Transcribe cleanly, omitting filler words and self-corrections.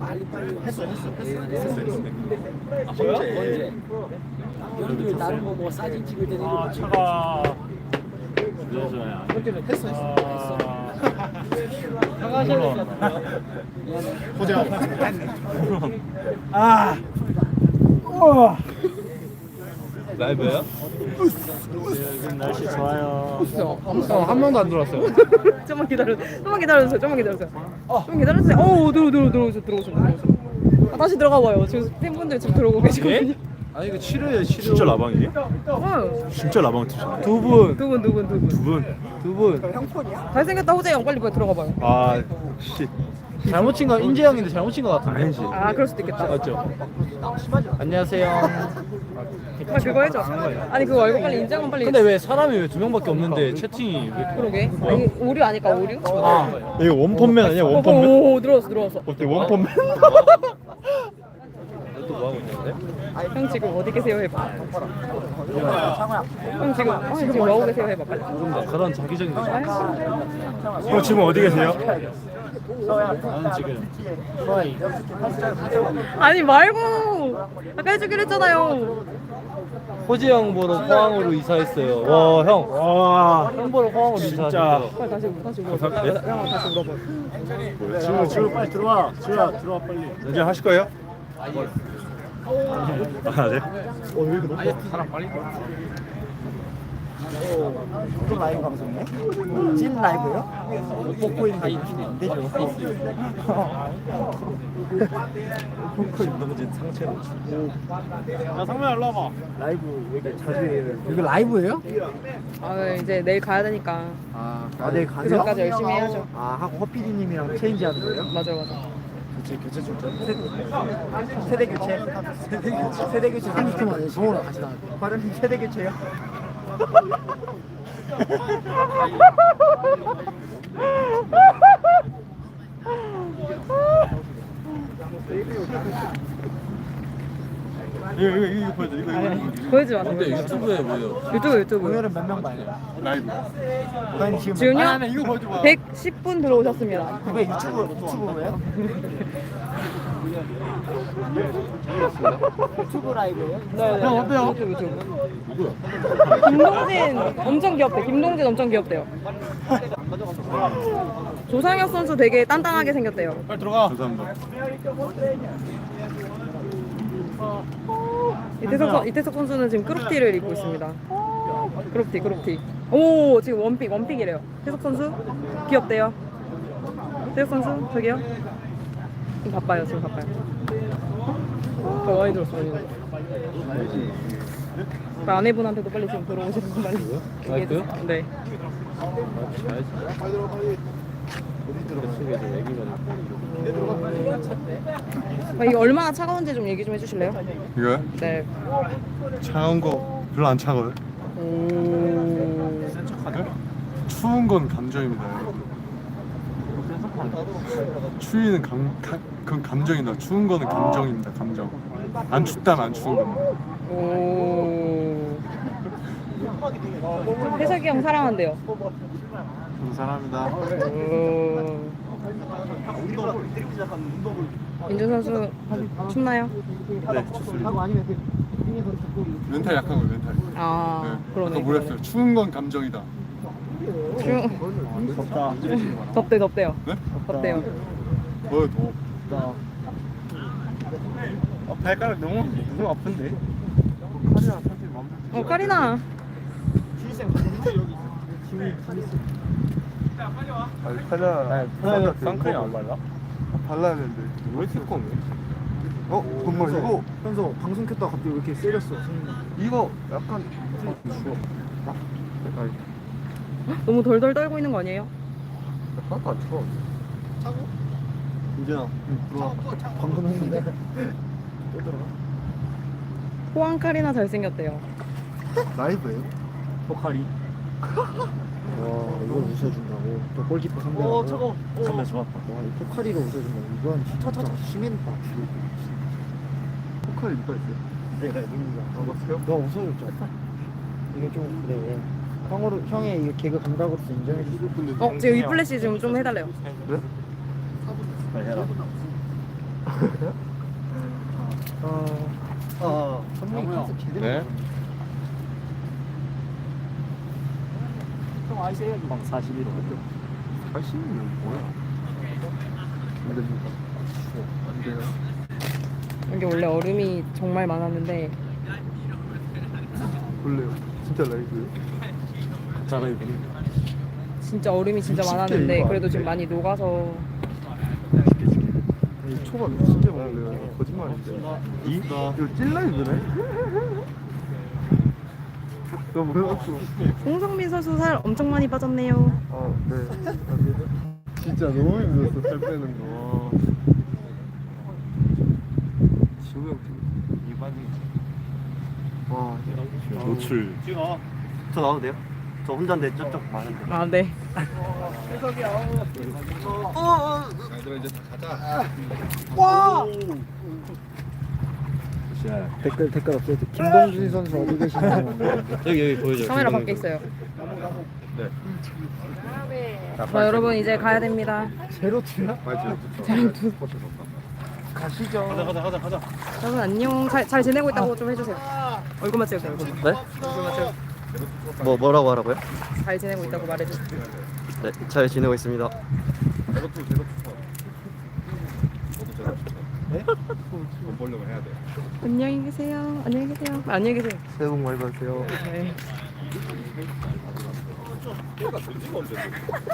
빨리 했어. 언제? 여러분들 나를 뭐 사진 찍을 때 아 차가 했어. 호재하고. 아 라이브야? 요즘 날씨 좋아요. 한 명도 안 들어왔어요. 좀만 기다려주세요. 좀만 기다려주세요. 오, 들어오셔. 아, 다시 들어가 봐요. 지금 팬분들 지금 들어오고 계시거든요. 아니 이거 치료예요, 치료. 진짜 라방이에요? 어, 진짜 라방 티셔츠. 두 분. 두 분. 두 분. 잘생겼다 호재형 빨리 들어가 봐요. 아 씨. 잘못 친 거 인재 형인데 잘못 친 거 같은데. 아니지. 아, 그럴 수도 있겠다. 맞죠? 안녕하세요. 아, 그거 해줘. 아니 그거 말고 빨리 인정은 빨리. 근데 왜 사람이 왜 두 명밖에 없는데 채팅이 왜? 그러게. 아니, 오류 아닐까 오류? 아, 이거 원펀맨 아니야? 원펀맨? 오, 들어왔어. 어때 원펀맨? 또 뭐 하고 있는데? 형 지금 어디 계세요 해봐. 형 지금 뭐 하고 계세요 해봐 빨리. 모른다. 그런 자기적인 거. 형 지금 어디 계세요? 나는 지금 아니 말고 아까 해주기로 했잖아요. 호지 형 보러 포항으로 이사했어요. 와 형. 와 형 보러 포항으로 진짜. 이사했어요. 빨리 다시 물어봐. 형 다시 물어봐. 지금 빨리 들어와. 들어와 빨리. 이제 하실 거예요? 아 네. 사람 빨리. 또 라이브 방송이네? 찐 라이브요? 못 뽑고 있는데 안 되죠. 김동진 상체로. 야 상민아 일로 와봐. 라이브 왜 이렇게 자주 해요? 이거 라이브예요? 아 이제 내일 가야 되니까 아, 내일 그 가세요? 전까지 열심히 해야죠. 아, 하고 허피디님이랑 체인지 하는 거예요? 맞아. 교체 출전? 세대 교체? 세대 교체 30분 안에 서울로 같이 나갈게요. 과장님 세대 교체요? 이거 보여줘. 이거. 보여주지 마세요. 근데 유튜브에 뭐예요? 유튜브. 오늘은 몇 명 봐요? 라이브. 과장님 지금 지금요? 이거 보여줘봐. 110분 들어오셨습니다. 왜 유튜브예요? 유튜브 라이브예요? 네. 형 어때요? 유튜브. 김동진 엄청 귀엽대요. 조상혁 선수 되게 단단하게 생겼대요. 빨리 들어가. 감사합니다. 이태석 선수는 지금 크롭티를 입고 있습니다. 크롭티. 오, 지금 원픽이래요. 이태석 선수 귀엽대요. 이태석 선수 저기요. 지금 바빠요. 많이 들었어요. 아내분한테도 빨리 지금 들어오시는 거 빨리 얘기해주세요. 마이크요? 네. 이게 얼마나 차가운지 좀 얘기 좀 해주실래요? 이거요? 네. 차가운 거 별로 안 차가워요. 오. 추운 건 감정입니다. 추위는 그건 감정이다. 추운 거는 감정입니다. 감정. 안 춥다면 안 추운 겁니다. 오. 태석이 형 사랑한대요. 감사합니다. 오. 민준 선수 춥나요? 네, 좋습니다. 멘탈 약한 거예요, 멘탈. 아, 네. 그러네. 아까 뭐랬어요? 추운 건 감정이다. 덥대요. 네? 덥대요. 뭐요, 더? 발가락 너무 아픈데? 카리나. 팔라 선크림 안 발라? 발라야 되는데. 왜 시커매? 정말 이거 현서 방송 켰다가 갑자기 왜 이렇게 세렸어? 이거 약간 추워. 너무 덜덜 떨고 있는 거 아니에요? 하나도 안 추워. 차고? 이제나 들어와. 방금 했는데 또 들어가? 호황 카리나 잘생겼대요. 라이브예요? 포카리 와 이걸 웃어준다고 또 골키퍼 선배라고 선배 좋았다. 와이 포카리가 웃어준다고 이건 진짜 심했다 포카리 누가 있어요? 내가 누군가 봤어요? 너 웃어줬잖아 이게 좀 그래 형의 이 개그 감각으로서 인정해주고 지금 위플래시 지금 좀 해달래요. 네? 빨리 해라. 선생님 컨셉 제대로. 네. 형 아이스 에어기방 41호. 80은 뭐야? 안 됩니다. 안 돼요. 여기 원래 얼음이 정말 많았는데 원래 진짜 라이브요? 자 라이브. 진짜 얼음이 진짜 60개 많았는데 이거 그래도 안 지금 돼? 많이 녹아서 이 초밥 60개 먹을래요? 거짓말인데. 이거 찔라이브네? 너 뭐야? 홍성민 선수 살 엄청 많이 빠졌네요. 아, 네. 진짜 너무 힘들었어, 살 빼는 거. 지우 형 이반이. 와, 노출. 저 나와도 돼요? 저 혼자인데 저쪽 많은데. 아 네. 댓글 없어요. 김봉준 선수 어디 계시나요? 여기 보여줘요. 카메라 밖에 있어요. 네. 자 여러분 이제 가야 됩니다. 제로투야? 가시죠. 가자. 여러분 안녕. 잘 지내고 있다고 좀 해주세요. 얼굴만 찍으세요. 얼굴만. 네? 얼굴만 찍으세요. 뭐라고 하라고요? 잘 지내고 있다고 말해주세요. 네, 잘 지내고 있습니다. 안녕히 계세요. 안녕히 계세요. 안녕히 계세요. 새해 복 많이 받으세요. 네.